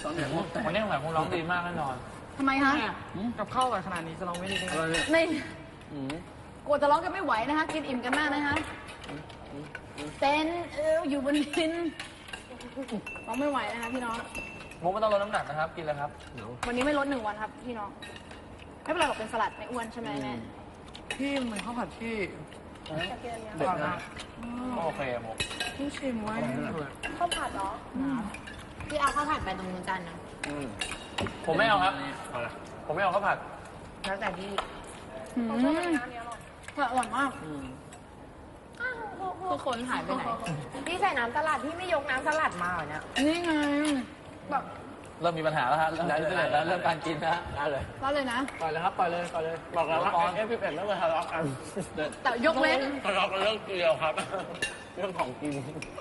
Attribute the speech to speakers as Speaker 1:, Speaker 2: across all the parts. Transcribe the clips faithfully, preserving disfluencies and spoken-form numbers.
Speaker 1: ตอนไหนมุก
Speaker 2: วันนี้หมายคงร้องดีมากแน่นอน
Speaker 3: ทำไมคะ
Speaker 4: กับข้าวกับขนาดนี้จะลองไม่ดีได้
Speaker 1: อะไรเนี่ย
Speaker 3: ใน
Speaker 1: อืม
Speaker 3: กลัวจะร้องกันไม่ไหวนะคะ กินอิ่มกันมากนะคะเต้นเอวอยู่บนดินร้องไม่ไหวนะคะพี่น้อง
Speaker 2: มุกไม่ต้องลดน้ำหนักนะครับ กินเลยครับ
Speaker 1: เดี๋ยว
Speaker 3: วันนี้ไม่ลดหนึ่งวันครับพี่น้อง ไม่เป็นไรหรอกเป็นสลัดไม่อ้วนใช่ไหมแม่
Speaker 4: พี่เหมือนข้าวผัดที่
Speaker 1: เด็ดนะ
Speaker 2: โอเคมุก
Speaker 4: พี่ชิมไว้
Speaker 3: ข้าวผัดเหรอ
Speaker 5: พี่เอาข้าวผัดไปตรงนู้นกันนะ
Speaker 1: อืม
Speaker 2: ผมไม่เอาครับ
Speaker 1: เอาละ
Speaker 2: ผมไม่เอาข้าวผัด
Speaker 5: แล้วแต่พี่
Speaker 3: อืมอร่อยมาก
Speaker 1: อืม
Speaker 5: ทุกคนหายไปไหน พี่ใส่น้ำสลัดพี่ไม่ยกน้ำสลัดมาเหรอเนี่ย
Speaker 3: นี่ไงแบบ
Speaker 2: เริ่มมีปัญหาแล้วฮะเริ่มเริ่มแล้วเริ่มการกินนะฮะ
Speaker 1: ได้เลย
Speaker 3: ก็เลยนะ
Speaker 1: ปล่อยเลยครับปล่อยเลยปล่อยเลยบอกแล้วว่าเอฟพีเอ็ดไม่เคยทะเลาะกัน
Speaker 3: แต่ยกเว้น
Speaker 1: ทะเลาะกันเรื่องเดียวครับ เรื่องของกิน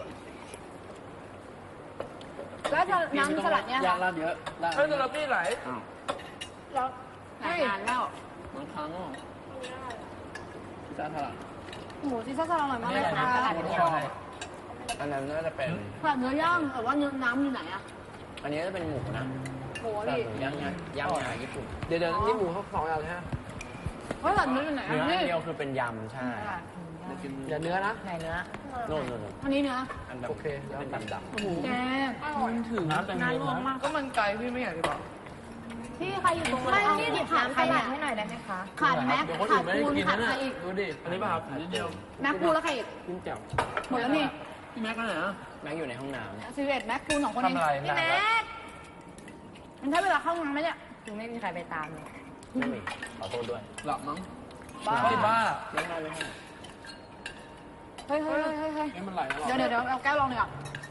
Speaker 3: แล้วจะน้ำสลัดเนี่ย
Speaker 1: ยา
Speaker 3: ค่ะ
Speaker 1: กลาดเยอะลาด
Speaker 2: เฮ้ยสลัดพี่ไหล
Speaker 1: อ้าว
Speaker 3: แล้ว
Speaker 5: หลายงานแล้ว
Speaker 1: บางครั้งอ่ะพิซซ่าทอด
Speaker 3: หมูซีซ่าสลัดอร่อยมากเลยค่ะ
Speaker 1: ชอบอันนั้นน่าจะเป็น
Speaker 3: ผัดเนื้อย่างแต่ว่าเนื้อน้ำอยู่ไหนอะ
Speaker 1: อันนี้จะเป็นหมูนะ
Speaker 3: หมู
Speaker 1: แต่
Speaker 3: ดิ
Speaker 1: หมูย่างไงย่างงาญี่ปุ่นเดี๋ยวเดี๋ยวนี่หมูเขาสองอย่างเลยฮะ
Speaker 3: เฮ้ยผัดเนื้ออยู่ไหน
Speaker 1: เนื้อ
Speaker 3: อะ
Speaker 1: อั
Speaker 3: นี่
Speaker 1: นเดียวคือเป็นยำใช่อย่าเนื้อนะ
Speaker 5: ไหนเนื้อ
Speaker 1: โน่นโน่นโน่น
Speaker 3: อันนี้เนื้อ
Speaker 1: อันดำโอเคเป็นดำดำ
Speaker 3: แกง
Speaker 4: มันถึง
Speaker 2: น้ำแตงโม
Speaker 5: น่ารวม
Speaker 2: นะ
Speaker 5: มาก
Speaker 4: ก็มันไกลพี่ไม่อยากจะบอก
Speaker 3: พี่ใครอยู่ตรง
Speaker 5: ไม่
Speaker 3: นั้น
Speaker 5: พี่หยิบ
Speaker 3: ขาด
Speaker 5: น้ำ
Speaker 3: ใค
Speaker 5: ส
Speaker 3: ร
Speaker 5: ลั
Speaker 3: เนี่
Speaker 5: ด
Speaker 3: ย
Speaker 5: ให้หน่อยได้ไหมคะ
Speaker 3: ขาดแม็ก
Speaker 2: เดี๋ยวคน
Speaker 3: ขา
Speaker 2: อื่
Speaker 3: ด
Speaker 2: นไม่ได้
Speaker 3: ปูน
Speaker 2: กิน
Speaker 3: ขาด
Speaker 2: นะ
Speaker 3: ใคร
Speaker 2: เนี่ย
Speaker 3: อีก
Speaker 2: ดูดิ อันนี้ป่ะครับนิดเดียว
Speaker 3: แม็กปูแล้วใครอีก
Speaker 1: จิ้มแจ่ว
Speaker 3: หมดแล้วนี่
Speaker 2: พี่แม็กก็ไหนอ่ะ
Speaker 1: แม็กอยู่ในห้องน้ำ
Speaker 3: สิบเอ็ดแม็กปูสองคนเอง
Speaker 2: ทำอะไร
Speaker 3: พี่
Speaker 2: นาน
Speaker 3: แม็
Speaker 2: แล้ว
Speaker 3: กมันใช้เวลาเข้างานไหมเนี่ย
Speaker 5: คือไม่มีใครไปตามเลย
Speaker 1: ไม่มีขอโทษด้วย
Speaker 2: หลับมั้ง
Speaker 3: บ้า
Speaker 2: เฮ้ยบ้า
Speaker 1: ไม่ได้ไม่ได้
Speaker 3: เฮ้ยเฮ้ยเฮ้ยเฮ้ย
Speaker 2: เอ้ยมันไหลตลอด
Speaker 3: เดี๋ยวเดี๋ยวเดี๋ยวเอาแก้วลองเลยอ่ะ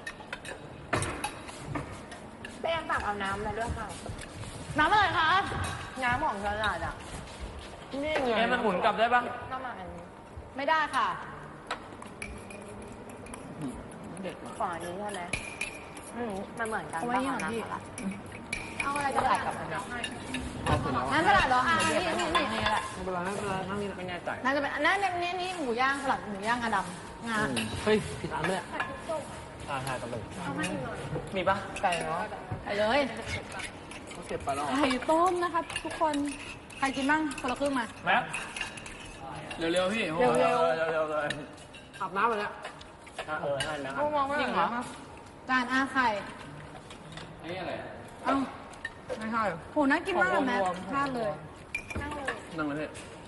Speaker 5: แป้งตักเอาน้ำมาด้วยค่ะ
Speaker 3: น้ำอะไรคะ
Speaker 5: น้ำของสลัดอ่ะ
Speaker 1: นี่ไง
Speaker 2: เอ้ยมันหมุนกลับได้ปะ
Speaker 5: น้ำมันอันนี้
Speaker 3: ไม่ได้ค่ะ
Speaker 1: เด็ดมาก
Speaker 5: ฝั่งอันนี้ใช่ไหมอืมมันเหมือนกัน
Speaker 3: เอาไว้
Speaker 5: ป่ะ
Speaker 3: นี่
Speaker 5: คะ
Speaker 3: ก่อนพี่
Speaker 5: น้ำสลัด
Speaker 3: เอาอะไร
Speaker 5: ส
Speaker 3: ก็
Speaker 5: ลั
Speaker 3: ได้
Speaker 5: ดกับอันนี้
Speaker 1: เอาเสร็จแล้ว
Speaker 3: น้ำสลัดเหรออ่ะนี่นี่นี่นี่แหละ
Speaker 1: ไม่เป็นไรไม่เป็นไรนั่งนี่ไม่แน่ใจ
Speaker 3: น่าจะเป็นอันนั้นนี่นี่หมูย่างสลัดหมูย่างงาดำงา
Speaker 1: เฮ้ยผิดอันเลยอ่าใช่ต้องเป็น
Speaker 2: มีปะ
Speaker 5: ไก่เนาะ
Speaker 3: ไปเลย
Speaker 1: เขาเก็บไปแล้ว
Speaker 3: ไข่ต้มนะครับทุกคน ใครกินบ้างคนละครึ่งมา
Speaker 2: แม็ก
Speaker 1: เร็วๆพี่
Speaker 3: เร็ว
Speaker 2: เร็วเร็วเลย
Speaker 1: อาบน้ำไปแล้วเออให้นะครับ
Speaker 4: มองว่า
Speaker 2: จริงเหรอ
Speaker 3: จานอาไข่
Speaker 1: อันนี้อะไร
Speaker 3: เอ้า
Speaker 4: ไม่ใช่
Speaker 3: โหน่ากินมากเลยแม่พลาดเลย
Speaker 1: นั่งเลย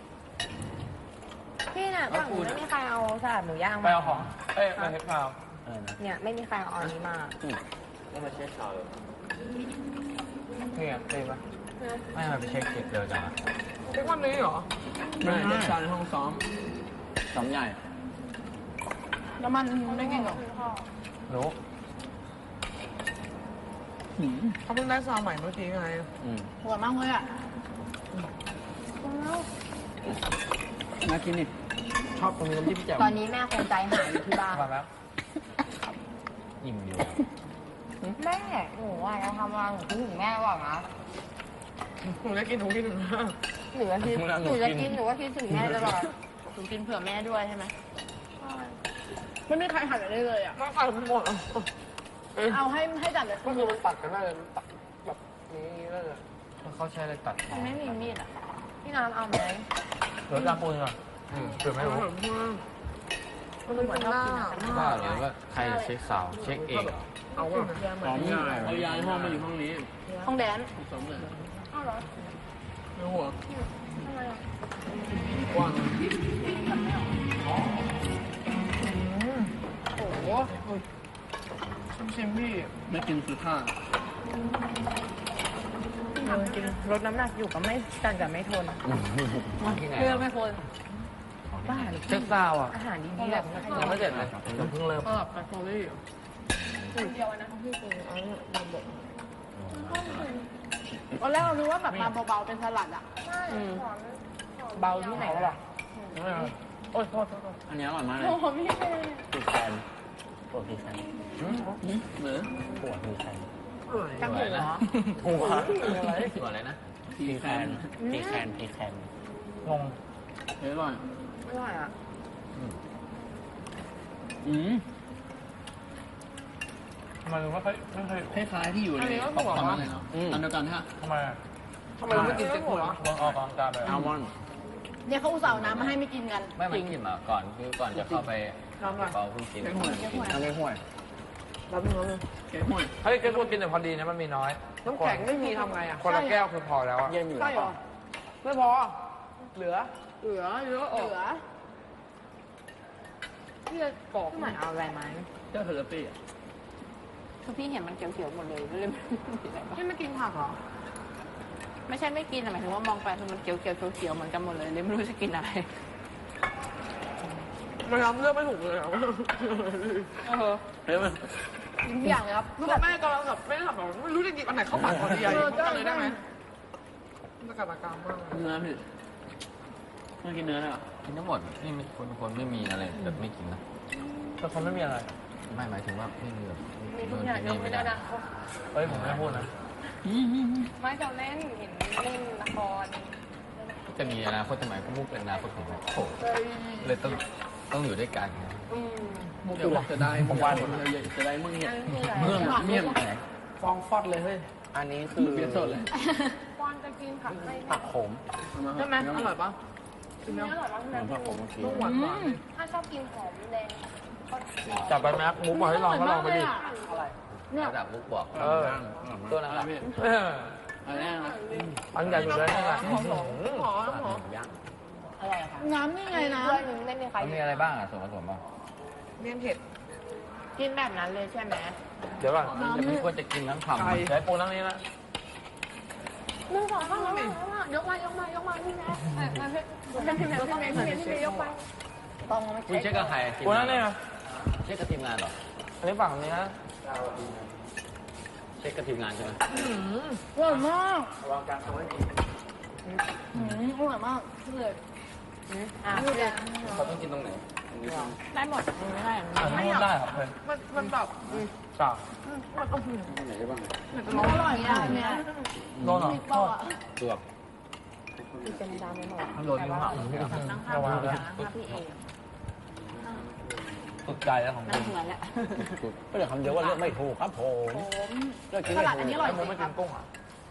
Speaker 5: พี่น่ะฝั่งนู้นไม่มีใครเอาสลัดหมูย่าง
Speaker 2: ไป
Speaker 5: มา
Speaker 2: เอาของ เอ้ยมาเทปพาว
Speaker 1: เออนะ
Speaker 5: เนี่ยไม่มีใครเอาอันนี้มา
Speaker 1: แล้วมาเช็คข่าวเลย
Speaker 2: นี่ไงเต็มปะไม่มาไปเช็คเก็บเร็วจังอะ
Speaker 4: ทุกวันนี้เหรอ
Speaker 1: ไม่เช็คข่าวในห้องซ้อมซ้อมใหญ่
Speaker 3: แล้วมันไม่กินหรอ
Speaker 2: รู้
Speaker 4: เขาเพิ่งได้ซาวใหม่เมื่อกี้ไง
Speaker 1: อืม
Speaker 3: หัวมากเลยอ่ะ
Speaker 1: น่ากินนี่ชอบตรงนี้น้ำจิ้มแจ่ว
Speaker 5: ตอนนี้แม่คงใจหายอยู่ที่บ้าน
Speaker 2: มาแล้วอิ่มอยู่
Speaker 5: แม่หนูอ่ะจะทำอะไรหนูคิดถึงแม่ก่อนนะ
Speaker 4: หนูได้กินหนูกินหนูนะ
Speaker 5: หนูจะคิดหนูจะกินหนูก็คิดถึงแม่ตลอดหนูกินเผื่อแม่ด้วยใช่ไหม
Speaker 3: ไม่มีใครหั่นอะไรเลยอ่ะ
Speaker 4: มาตัดหมดอ่ะ
Speaker 3: เอาให้ให้จัดเลย
Speaker 1: ก็คือมันตัดกันได้เลยตัดแบบนี้ได้เลย
Speaker 2: เขาใช้อะไรตัด
Speaker 5: มันไม่มีมีดอ่ะพี่น้ำเอาไหม
Speaker 2: เหลือจานปูนก่อนอืมเผื่อไม่รู้
Speaker 5: มันเหมือนชอบกินอ่ะ
Speaker 2: ว่าหรือว่าใครเช็คข่าวเช็คเองเหรอ
Speaker 4: เอาอ่ะ
Speaker 1: ซ้อมง่ายเอาย้ายห้องมาอยู่ห้องนี้
Speaker 3: ห้องแดน
Speaker 1: ซ้อมเลย
Speaker 4: ในหัว
Speaker 1: กว้าง
Speaker 4: โอ้โหชิมชิมพี่
Speaker 1: ไม่กินคือข้า
Speaker 5: พี่น้ำกินลดน้ำหนักอยู่ก็ไม่กันกับไม่ทน
Speaker 3: เพื่อไม่คน
Speaker 5: บ้าหรือ
Speaker 2: เช็คข่าวอ่ะ
Speaker 5: อาหารดีๆแบบนี้
Speaker 2: ยังไม่เสร็จเลยยังเพิ่งเริ่ม
Speaker 4: สลับกับสตอรี่
Speaker 3: ตอนแรกเรารู้ว่าแบบมาเบาๆเป็นสลัดอ่ะ
Speaker 5: อืมเบาที่ไหนล่ะ
Speaker 2: โอ้ยโทษโทษโทษ
Speaker 1: อันนี้อร่อยมากเลย
Speaker 3: โอ้โหพี่
Speaker 1: ปีแคนปวดปีแคนเหมือนปวดปีแคน
Speaker 5: จังหูเหรอ
Speaker 2: หัวอะไรหัวอะไรนะ
Speaker 1: ปีแคนปีแคนปีแคน
Speaker 2: งง
Speaker 1: เฮ้ยอร่อย
Speaker 5: อร่อยอ่ะ
Speaker 1: อืม
Speaker 2: มันไม่ค่อยไม่ค่อย
Speaker 1: คล้ายๆที่อยู่ในป๊อปคอร์นเลยเนาะอันเดียวกันฮะ
Speaker 2: ทำไมอะ
Speaker 4: ทำไมเราไม่กินเจ็ดหัว
Speaker 2: วางออกกำลังกายไป
Speaker 1: อัลมอนด์
Speaker 3: เนี่ยเขาอุตส่าห์เอาน้ำมาให้ไม่กินกัน
Speaker 6: ไม่มันกินมาก่อนคือก่อนจะเข้าไป
Speaker 4: น้ำอะไร
Speaker 6: เปาเพิ่งกิน
Speaker 1: เค้กห่วย
Speaker 6: ทำไม่ห่วย
Speaker 4: น้ำนึงน้ำนึง
Speaker 1: เค้กห่วย
Speaker 2: เฮ้ยแกควรกินแต่พอดีนะมันมีน้อย
Speaker 4: น้ำแข็งไม่มีทำไงอ่ะ
Speaker 2: คนละแก้วคือพอแล้วอะ
Speaker 6: เย็นอยู่
Speaker 4: ใช่เหรอ ไม่พอ เหลือ เหลือเยอะอ
Speaker 3: เห
Speaker 4: อก
Speaker 3: ลือ
Speaker 4: พี่จะกรอก
Speaker 5: พี่หมายเอาอะไรไหม
Speaker 1: เจ้าเทอร์ปี้อ่ะ
Speaker 5: คือพี่เห็นมันเขียวๆหมดเลยไม่ได้ไม่มีอะไรบ้าง
Speaker 4: พี่ไม่กินผักเหรอ
Speaker 5: ไม่ใช่ไม่กินแต่หมายถึงว่ามองไปคือมันเขียวๆเขียวๆเหมือนกันหมดเลยเลยไม่รู้จะกินอะไร
Speaker 4: มันทำเลือกไม่ถูกเลยอ่ะ
Speaker 5: เออ
Speaker 1: เฮ้ยมัน
Speaker 3: กินทุกอย่างเลยครับ
Speaker 4: คือแบบแม่กำลังแบบไม่ได้แบบไม่รู้จะหยิบอันไหนเข้าปากก่อนดีอะหยิบเข้ากันเลยได้ไหมมันกระตากรรมมากเลย
Speaker 1: เนื้อพี่ไม่กินเนื้อเลยเหรอ
Speaker 6: กินทั้งหมดนี่ไม่คนคนไม่มีอะไรแบบไม่กินนะ
Speaker 2: แต่คนไม่มีอะไร
Speaker 6: ไม่หมายถึงว่าไม่มีแบบ
Speaker 5: มีทุกอย่างยกไม่ได้นะ
Speaker 2: เฮ้ยผมไม่พูดนะ
Speaker 5: ไม่จะเล่นเห็นเล่นละคร
Speaker 6: จะมีอนาคตสมัยก็มุกเป็นอนาคตของผมโอ้เลยต้องต้องอยู่ด้วยกัน
Speaker 5: อืม
Speaker 1: เดี๋ยวบอกจะได้มึงจะได้มึงเนี่ย
Speaker 5: อันนี้คืออะไร
Speaker 1: เมื่อเมี่ยมแตก
Speaker 2: ฟองฟอดเลยเฮ้ย
Speaker 6: อันนี้คือ
Speaker 1: เปลี่ยนสดเลย
Speaker 5: ปอนจะกินผักไม่
Speaker 6: ผักขม
Speaker 4: ใช่ไหมอร่อยปะ
Speaker 5: กินเนื้ออร่อยมาก
Speaker 1: เหมือนผักผมเมื่อกี้
Speaker 4: ลูกหวานหวาน
Speaker 5: ถ้าชอบกินหอมแดง
Speaker 2: จับไปแม็กมุกบอกให้ลองก็ลองไปดิ
Speaker 3: เนี่ย
Speaker 6: ระดับมุกบอก
Speaker 2: เออ
Speaker 6: ตัวนั้นแหละ
Speaker 2: เออ
Speaker 1: อันนี้นะ
Speaker 2: อันใหญ่อยู่เลยนี่แหละ
Speaker 4: หอมหอมหอมหอม
Speaker 6: ย่าง
Speaker 5: อะไรอะคะ
Speaker 3: น้ำนี่ไงนะ
Speaker 5: เพื่อนหนึงไม่มีใคร
Speaker 6: มันมีอะไรบ้างอ่ะส่วนผสมบ้าง
Speaker 4: เมี่ยงเผ็ด
Speaker 5: กินแบบนั้นเลยใช่ไหม
Speaker 2: เดี๋ยวก่อน
Speaker 6: จะไม่ควรจะกินทั้งคำ
Speaker 2: ใช้ปูนั่งนี้นะ
Speaker 5: หนึ่งสองสามยกมายกมายกมายกมาพี่แม่พี่แม่พี่แม่พี่แม่พี่แม่ยกไป
Speaker 3: ต้องไม่
Speaker 6: คุณเช็คกับใคร
Speaker 2: ปูนั่งนี่นะ
Speaker 6: เช็คกับทีมงานเหรอ
Speaker 2: อันนี้ฝั่งนี้นะ
Speaker 6: เช็คกับทีมงานใช่ไหม
Speaker 3: อร่อยมากอืมอร่อยมากเลย
Speaker 5: อ่ะ
Speaker 6: เขาต้องกินตรงไหน
Speaker 5: ได้หมดไม่ได้
Speaker 2: อ่านพูดได้ครับเพื่อน
Speaker 4: มันมันแบบ
Speaker 2: จ้า
Speaker 4: มันเอา
Speaker 1: ไหนได้บ้าง
Speaker 4: เหมือนจะร้อง
Speaker 3: อร่อยอ่ะเนี่ย
Speaker 2: โดนเหรอ
Speaker 3: มีปอกอ่ะ
Speaker 6: ตัว
Speaker 5: เป็นดาวไม่หมด
Speaker 2: โดนนิ้วหัก
Speaker 5: นั่งข้าง
Speaker 2: ระวัง
Speaker 5: พี่
Speaker 2: นะ
Speaker 5: พี่เอง
Speaker 2: สุดใจแล้วของ
Speaker 5: นั่
Speaker 2: คุ
Speaker 5: ง
Speaker 2: ณ
Speaker 5: เหมือนแหละ
Speaker 6: ก็เลยคำเดียวว่าเลือกไม่ถูกครับผม
Speaker 3: ผม
Speaker 6: เลือกกิน
Speaker 3: ส
Speaker 6: ไม่
Speaker 3: ลัดอัน
Speaker 6: ถู
Speaker 3: นี้
Speaker 6: ก
Speaker 3: อร่อย
Speaker 2: ไอ้มุก
Speaker 3: จริ
Speaker 2: ไม่
Speaker 3: งค
Speaker 2: กิ
Speaker 3: รับ
Speaker 2: นกุ้งอ่ะ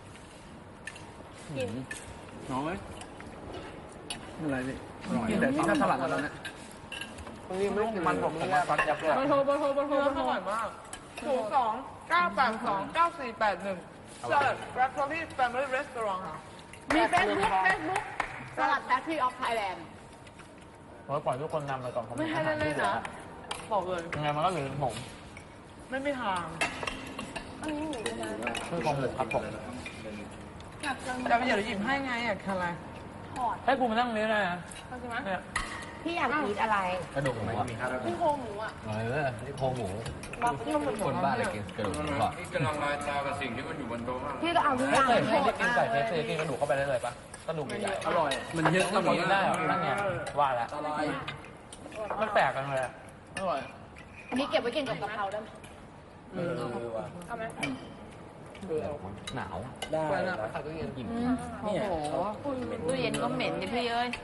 Speaker 1: กินน้อยอะไรพี่กินแต่ที่ถ้าสลัดแล้วเนี่ย
Speaker 2: นี่ไม่กินมันผมมันฟัดยับเลย
Speaker 4: เบอร์โทรเบอร์โทรเบอร์โทรอร่อยมากศูนย์สองเก้าแปดสองเก้าสี่แปดหนึ่งสลัดแบล็คทอรี่แฟมิลี่รีสอร์ทค่ะ
Speaker 3: มีเฟซบุ๊กเฟซบุ๊กสลัดแฟคทรีออฟไทยแลนด์
Speaker 2: ผมปล่อยทุกคนนำไปก่อนผม
Speaker 4: ไม่ให้เล่นๆนะบอกเลย
Speaker 2: ยังไงมันก็เหลือผม
Speaker 4: ไม่มีทาง
Speaker 5: อันนี้หมูนะ
Speaker 2: คือของผมครับผม
Speaker 4: จะไปเดี๋ยวหยิบให้ไงอยากทานอะไร
Speaker 5: ถอด
Speaker 2: ให้กูมานั่งนี้ได้นะ
Speaker 5: เข้าใจไหม
Speaker 2: เนี่ย
Speaker 5: พี่อยากกินอะไร
Speaker 6: กระดูกหมูอ่ะ
Speaker 5: พี่โครงหมูอ่ะ
Speaker 6: เออนี่โครงหมู
Speaker 4: รับที่มัน
Speaker 6: คนบ้าอะไรกินกระดูกหมูก่อน
Speaker 7: นี่กำลังลายตากับสิ่งที่มันอยู่บนโต๊ะมาก
Speaker 5: พี่ก็เอาทุกอ
Speaker 2: ไม่
Speaker 5: ย่าง
Speaker 2: เคย
Speaker 5: หม
Speaker 2: ไม่ได้
Speaker 5: ด
Speaker 2: กินไก่เคฟซีกินกระดูกเข้าไปได้เลยปะกระดูกใหญ่
Speaker 1: อร่อย มันเยอะ
Speaker 2: ๆมันกินได้เหรอนั่นไงว่าแล้วมันแปลกกันเลยอะ
Speaker 1: อร่อย
Speaker 3: อันนี้เก็บไว้กินกับกะเพราได้ไหม
Speaker 1: เออ
Speaker 5: เอาไหม
Speaker 6: หนาว
Speaker 1: ได้
Speaker 2: ไปนะไปตู้เย็น
Speaker 6: อิ่ม
Speaker 5: โอ้โหตู้เย็นก็เหม็นดิพี่เอ้ย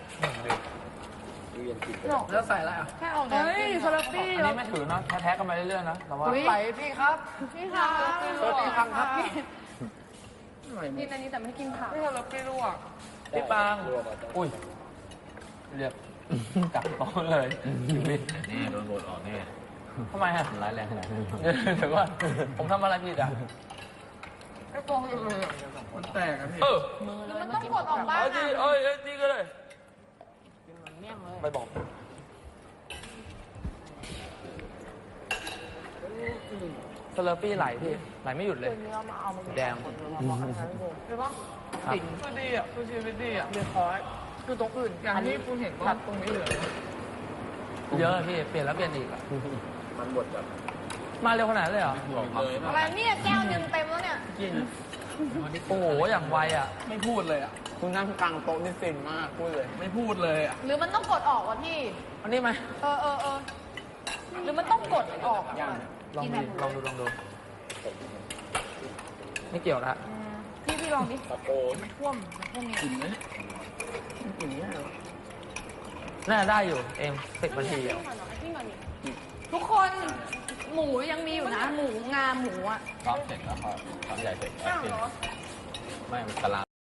Speaker 1: แล้วใส่อะไรอ่ะ
Speaker 4: แค่เอา
Speaker 3: เฮ้ยสลัดปี้
Speaker 2: อันนี้ไม่ถือนะแท้ๆกันไปเรื่อยๆนะแต่ว่า
Speaker 4: ไปพี่ครับ
Speaker 3: พี่ค่ะ
Speaker 4: สวัสดีครับครับพี่
Speaker 5: กินอันนี้แต่ไม่กินผัก
Speaker 4: พี่ทำแล้วพี่ลวก
Speaker 2: พี่ปังอุ้ยเรียบกลับโต๊ะเลยชีวิต
Speaker 6: นี่โดนโบดออกแน่
Speaker 2: ทำไมฮะ
Speaker 6: ร้ายแรงขนาดนี้
Speaker 2: เดี๋ยวก่อนผมทำอะไรผิดอ่ะ
Speaker 4: ไอ้ฟองเลย
Speaker 1: มันแตกอ่ะพี่
Speaker 2: เออ
Speaker 5: มือเลยมันต้องกดออกบ้าง
Speaker 2: เอาจี
Speaker 5: อ่ะ
Speaker 2: เอ้ยเอ้ยจีก็เลย
Speaker 5: กินเหมือนเมี่ยงเลย
Speaker 2: ไปบอกสเลอร์ปี้ไหลพี่ไหลไม่หยุดเลย
Speaker 5: เนื้อมาเอามา
Speaker 2: แดง
Speaker 4: ใช่ปะ
Speaker 2: ครับ
Speaker 4: คือดีอ่ะคือชีวิตดีอ่ะเรียบร้อยคือตรงอื่นอย่างที่คุณเห็นว่าตรงนี้เหลือ
Speaker 2: เยอะพี่เปลี่ยนแล้วเปลี่ยนอีกอะมันบดแบบมาเร็วขนาดนั้นเลยเหรอ
Speaker 3: อะไรเนี่ยแก้วหนึ่งเต็มแล้วเนี่ย
Speaker 2: โอ้โหอย่างไวอ่ะ
Speaker 1: ไม่พูดเลยอ่ะ
Speaker 6: คุณนั่งกลางโต๊ะนี่ฟินมากพูดเลย
Speaker 1: ไม่พูดเลยอ่ะ
Speaker 3: หรือมันต้องกดออกวะพี่
Speaker 2: อันนี้ไหม
Speaker 3: เออเออเออหรือมันต้องกดออก
Speaker 2: ลองดูลองดูลองดูไม่เกี่ยวละ
Speaker 3: พี่พี่ลองดิ
Speaker 1: กินไหมกินเนี่ย
Speaker 2: น่าได้อยู่เอ็มสิบนาทีอะ
Speaker 3: ทุกคน
Speaker 5: หมูยังมีอยู่นะ หมูงาหมูอ่ะ
Speaker 6: ซ้อมเสร็จแล้วก็ซ้อมใหญ่เสร็จแอดมินไม่มันตาราง